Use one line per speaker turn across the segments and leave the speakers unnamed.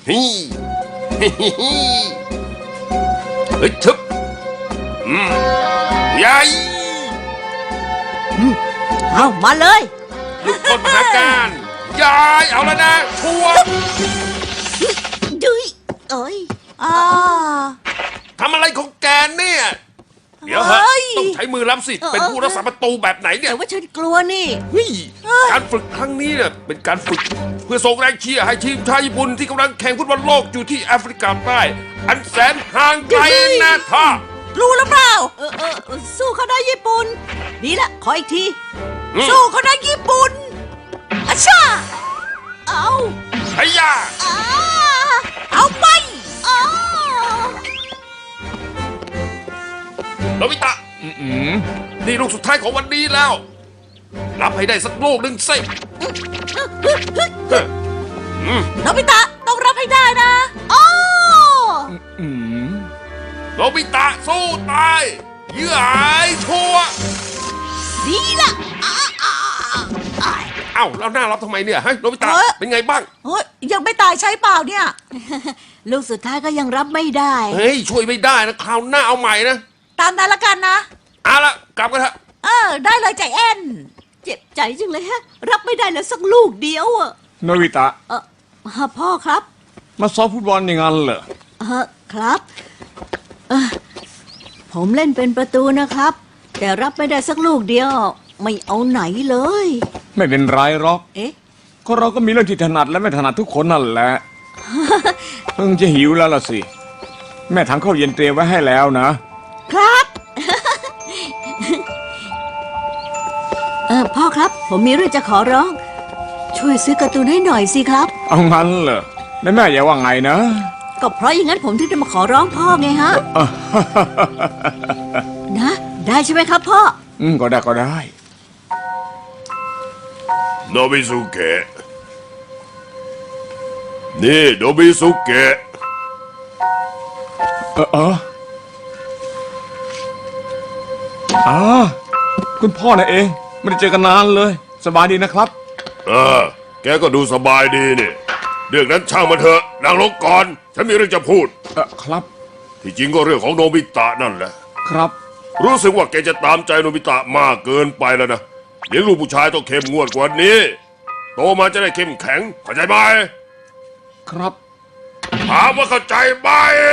ฮิฮิฮิฮิเฮ้ยทึบใหญ่
เอามาเลย
ลูกคนมหาการยายเอาแล้วนะชัวร์
ดุยเอ้ยอ่า
ทำอะไรของแกเนี่ยเดี๋ยวฮะ
เฮ้ย
ต้องใช้มือรับสิเป็นผู้รักษาประตูแบบไหนเนี่ย
แต่ว่าฉันกลัวนี่
เฮ้ยการฝึกครั้งนี้เนี่ยเป็นการฝึกเพื่อส่งแรงเชียร์ให้ทีมชาติญี่ปุ่นที่กำลังแข่งฟุตบอลโลกอยู่ที่แอฟริกาใต้อันแสนห่างไกลนะท่า
รู้หรือเปล่าสู้เขาได้ญี่ปุ่นดีละขออีกทีสู้เขาได้ญี่ปุ่นอาชาเอา
ไอ้ยา
อ่าเอาไปอ่า
โนบิตะนี่ลูกสุดท้ายของวันนี้แล้ว รับให้ได้สักลูกหนึ่งสิ
โนบิตะต้องรับให้ได้นะโอ้
โนบิตะสู้ตายเยื่อหายชัวร์
ดีละอ่า
เอ้าแล้วหน้ารับทำไมเนี่ยฮะโนบิตะเป็นไงบ้าง
เฮ้ยยังไม่ตายใช่เปล่าเนี่ย ลูกสุดท้ายก็ยังรับไม่ได้
เฮ้ยช่วยไม่ได้นะคราวหน้าเอาใหม่นะ
ตามนั้นละกันนะ
เอาละกลับกันเถอะ
ได้เลยใจแอนเจ็บใจจังเลยฮะ รับไม่ได้แล้วสักลูกเดียวอะ
โนบิตะ
พ่อครับ
มาซ้อมฟุตบอลอย่างนั้นเหรอ
ครับผมเล่นเป็นประตูนะครับ แต่รับไม่ได้สักลูกเดียว ไม่เอาไหนเลย
ไม่เป็นไรหรอก
เอ๊ะ
ก็เราก็มีเรื่องที่ถนัดและไม่ถนัดทุกคนนั่นแหละ เพิ่งจะหิวแล้วล่ะสิ แม่ทำข้าวเย็นเตรียมไว้ให้แล้วนะครับ
พ่อครับ ผมมีเรื่องจะขอร้อง ช่วยซื้อการ์ตูนให้หน่อยสิครับ
เอางั้นเหรอแล้วแม่อย่าว่าไงนะ
ก็เพราะอย่างนั้นผมถึงจะมาขอร้องพ่อไงฮะ นะ ได้ใช่ไหมครับพ่อ
ก็ได้ก็ได้
โนบิสุเกะนี่โนบิสุเกะ
คุณพ่อน่ะเองไม่ได้เจอกันนานเลย สบายดีนะครับ
แกก็ดูสบายดีนี่เรื่องนั้นช่างมันเถอะนางลงก่อนฉันมีเรื่องจะพูด
ครับ
ที่จริงก็เรื่องของโนบิตะนั่นแหละ
ครับ
รู้สึกว่าแกจะตามใจโนบิตะมากเกินไปแล้วนะเลี้ยงลูกผู้ชายต้องเข้มงวดกว่านี้ โตมาจะได้เข้มแข็งเข้าใจไหม
ครับ
ถามว่าเข้าใจไหม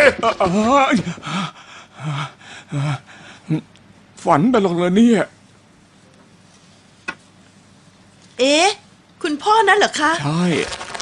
ฝันไปหรอกเลยเนี่ย
เอ๊ะ คุณพ่อนั่นเหรอคะ
ใช่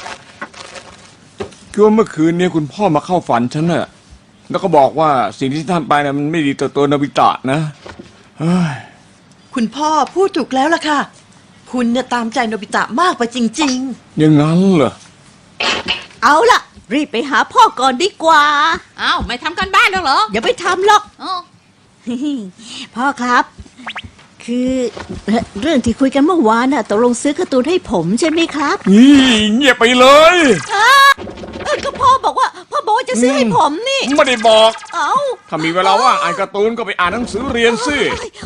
คือว่าเมื่อคืนเนี่ยคุณพ่อมาเข้าฝันฉันน่ะแล้วก็บอกว่าสิ่งที่ท่านไปน่ะมันไม่ดีต่อตัวโนบิตะนะเฮ้ย
คุณพ่อพูดถูกแล้วล่ะค่ะ คุณเนี่ยตามใจโนบิตะมากไปจริง
อย่างนั้นเหรอ
เอาล่ะ รีบไปหาพ่อก่อนดีกว่า
อ้าวไม่ทำกันบ้านแล้วเหรอ
อย่าไปทำหรอก
อ๋อ
พ่อครับ คือเรื่องที่คุยกันเมื่อวานน่ะตกลงซื้อการ์ตูนให้ผมใช่ไหมครับ
นี่เงียบไปเลย
ก็พ่อบอกว่าจะซื้อให้ผมนี่
ไม่ได้บอก
เอ้า
ถ้ามีเวลาว่างอ่านการ์ตูนก็ไปอ่านหนังสือเรียนสิ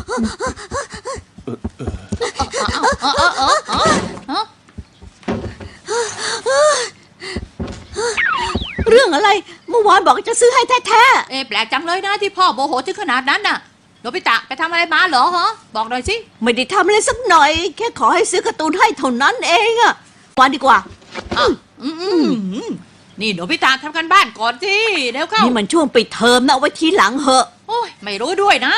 เรื่องอะไร เมื่อวานบอกจะซื้อให้แท้
เอ๊ะแปลกจังเลยนะที่พ่อโมโหถึงขนาดนั้นน่ะโนบิตะไปทำอะไรมาเหรอฮะบอกหน่อยสิ
ๆไม่ได้ทำอะไรสักหน่อย แค่ขอให้ซื้อการ์ตูนให้เท่านั้นเองอะวันดีกว่า
อ้าวนี่โนบิตะทำกันบ้านก่อนสิเดี๋ยวเข้า
นี่มันช่วงปิดเทอมนะเอาไว้ทีหลังเหอะ
โอ้ยไม่รู้ด้วยนะ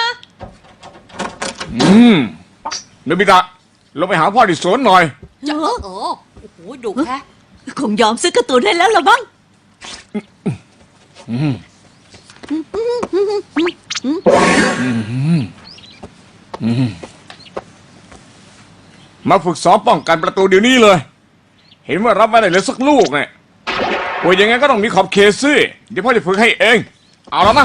โนบิตะลงไปหาพ่อที่สวนหน่อย
จะ
เออ
โอ้โหดุแค่
คงยอมซื้อการ์ตูนให้แล้วละบ้าง
มาฝึกซ้อมป้องกันประตูเดี๋ยวนี้เลย เห็นว่ารับไม่ได้เลยสักลูกเนี่ยโอ้ยยังไงก็ต้องมีขอบเขตสิเดี๋ยวพ่อจะฝึกให้เอง เอาแล้วนะ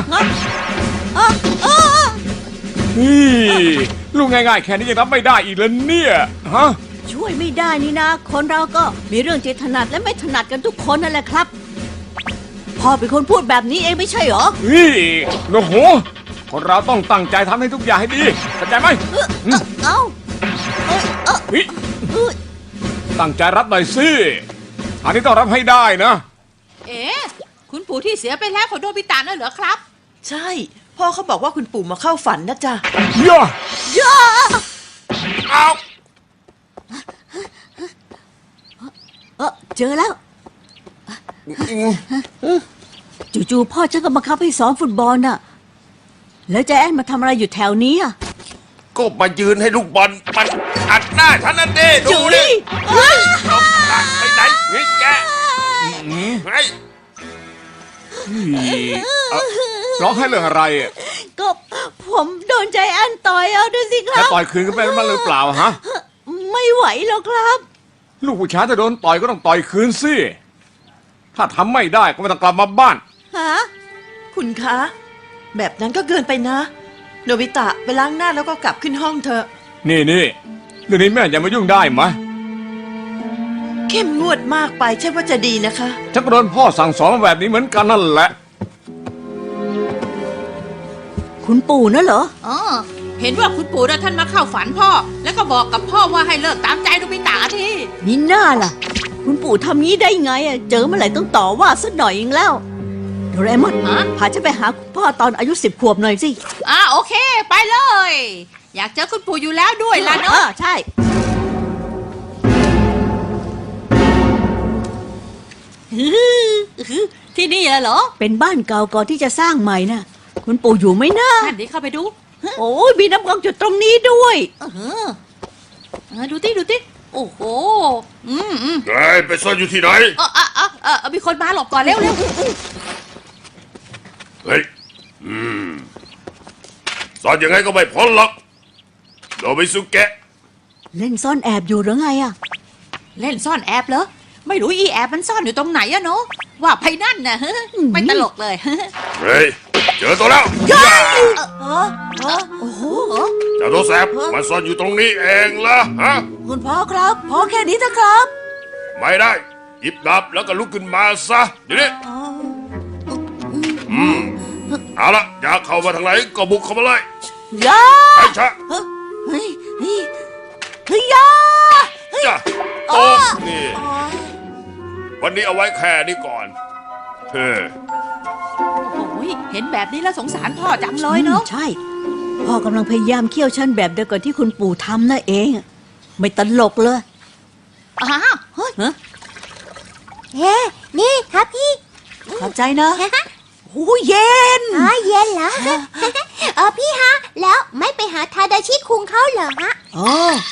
นี่ลูกง่ายๆแค่นี้ยังรับไม่ได้อีกแล้วเนี่ยฮะ
ช่วยไม่ได้นี่นะ คนเราก็มีเรื่องที่ถนัดและไม่ถนัดกันทุกคนนั่นแหละครับพ่อเป็นคนพูดแบบนี้เองไม่ใช่เหรอ
นี่โอ้โหคนเราต้องตั้งใจทำให้ทุกอย่างให้ดีเข้าใจไหม
เอ้า
เฮ้ยตั้งใจรับหน่อยสิอันนี้ต้องรับให้ได้นะ
เอ๊ะคุณปู่ที่เสียไปแล้วของโนบิตะนั่นเหรอครับ
ใช่ พ่อเขาบอกว่าคุณปู่มาเข้าฝันนะจ๊ะ
ย่า
เอา
เจอแล้ว จู่ๆพ่อฉันก็บังคับให้ซ้อมฟุตบอลน่ะ แล้วใจแอนมาทำอะไรอยู่แถวนี้อ่ะ
ก็มายืนให้ลูกบอลมันอัดหน้าฉันนั่นดิดูดิไปไหนนี่แกไอ้
ร้องให้เรื่องอะไรอะ
ก็ผมโดนใจแอนต่อยเอาดูสิค
แล้
รั
ว
บ
ต่อยคืนกันไปมันหรือเปล่าฮะ
ไม่ไหวหรอกครับ
ลูกผู้ชายถ้าโดนต่อยก็ต้องต่อยคืนสิ ถ้าทำไม่ได้ก็ไม่ต้องกลับมาบ้าน
ฮะ
คุณคะ แบบนั้นก็เกินไปนะ โนบิตะไปล้างหน้าแล้วก็กลับขึ้นห้องเถอะ
นี่เรื่องนี้แม่อย่ามายุ่งได้ไหม
เข้มงวดมากไปใช่ว่าจะดีนะคะ
ฉันก็โดนพ่อสั่งสอนมาแบบนี้เหมือนกันนั่นแหละ
คุณปู่น่ะเหรอ
อ๋อ เห็นว่าคุณปู่นะท่านมาเข้าฝันพ่อ แล้วก็บอกกับพ่อว่าให้เลิกตามใจโนบิตะที
นี่น่าล่ะ คุณปู่ทำงี้ได้ไงอะเจอเมื่อไหร่ต้องต่อว่าสักหน่อยเองแล้วโดเรมอน
ฮะ
พาฉันไปหาคุณพ่อตอนอายุ10 ขวบหน่อยสิ
โอเค ไปเลย อยากเจอคุณปู่อยู่แล้วด้วยล่ะเนาะ
ใช่
ที่นี่เหรอ
เป็นบ้านเก่าก่อนที่จะสร้างใหม่น่ะ คุณปู่อยู่ไหมนะ
นั่นดิเข้าไปดู
โอ้ยมีน้ำกรองจุดตรงนี้ด้วย
ดูติโอ้โห
ไอ้ไปซ่อนอยู่ที่ไหน
มีคนมาหลบก่อนเร็ว
เฮ้ยซ่อนยังไงก็ไม่พ้นหรอกโดบิสุเกะ
เล่นซ่อนแอบอยู่หรือไงอะ
เล่นซ่อนแอบเหรอ ไม่รู้อีแอบมันซ่อนอยู่ตรงไหนอะเนาะว่าไปนั่นน่ะไม่ตลกเลย
เฮ้ยเจอตัวแล้ว
โอ้โห
เจ้าตัวแสบมันซ่อนอยู่ตรงนี้เองละฮะ
คุณพ่อครับ พ่อแค่นี้เถอะครับ
ไม่ได้หยิบดาบแล้วก็ลุกขึ้นมาซะเดี๋ยวนี้เอาละอยากเข้ามาทางไหนก็บุกเข้ามาเลย
ยา
ไอ้ชะ
เฮ้ยยา
จ้ะโต๊ะนี่ วันนี้เอาไว้แค่นี้ก่อนเฮ้ย
โอ้ยเห็นแบบนี้แล้วสงสารพ่อจังเลยเนาะ
ใช่ พ่อกำลังพยายามเคี่ยวชั้นแบบเดียวกับที่คุณปู่ทำนั่นเอง ไม่ตลกเลย เฮ้ย
เฮ้นี่ครับพี่
ขอบใจนะโอ้เย็น
เย็นเหรอ พี่ฮะ แล้วไม่ไปหาทาดาชิคุงเขาเหรอฮะ
อ๋อ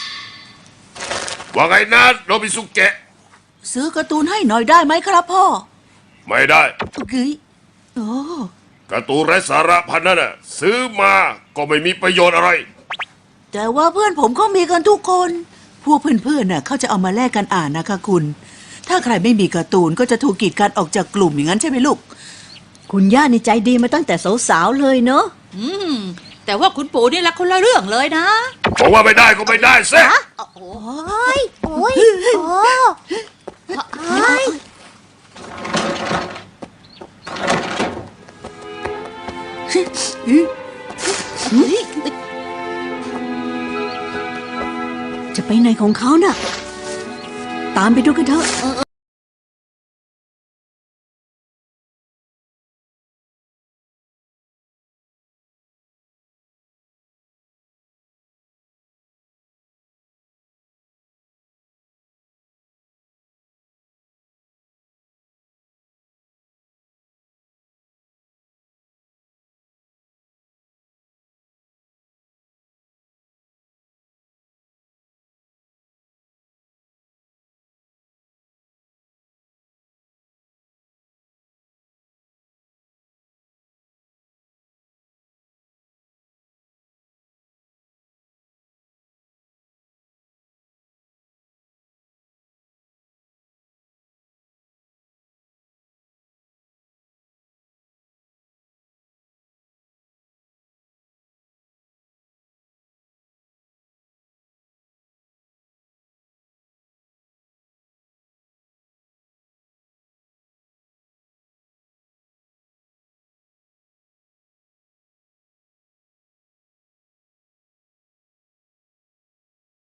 ว่าไงนะโนบิสุเกะ
ซื้อการ์ตูนให้หน่อยได้ไหมครับพ่อ
ไม่ได้
เฮ้ยโอ้
การ์ตูนไร้สาระพันนั้นน่ะซื้อมาก็ไม่มีประโยชน์อะไร
แต่ว่าเพื่อนผมก็มีกันทุกคน พวกเพื่อนๆน่ะเขาจะเอามาแลกกันอ่านนะคะคุณ ถ้าใครไม่มีการ์ตูนก็จะถูกกีดกันออกจากกลุ่มอย่างนั้นใช่ไหมลูก คุณย่าในใจดีมาตั้งแต่สาวๆเลยเนอะ
แต่ว่าคุณปู่นี่ละคนละเรื่องเลยนะ
บอกว่าไม่ได้ก็ไม่ได้สิ
โอ้โห
โอ้ยโอ้ยโอ้ย
จะไปไหนของเขาน่ะ ตามไปดูกันเถอะ
เอ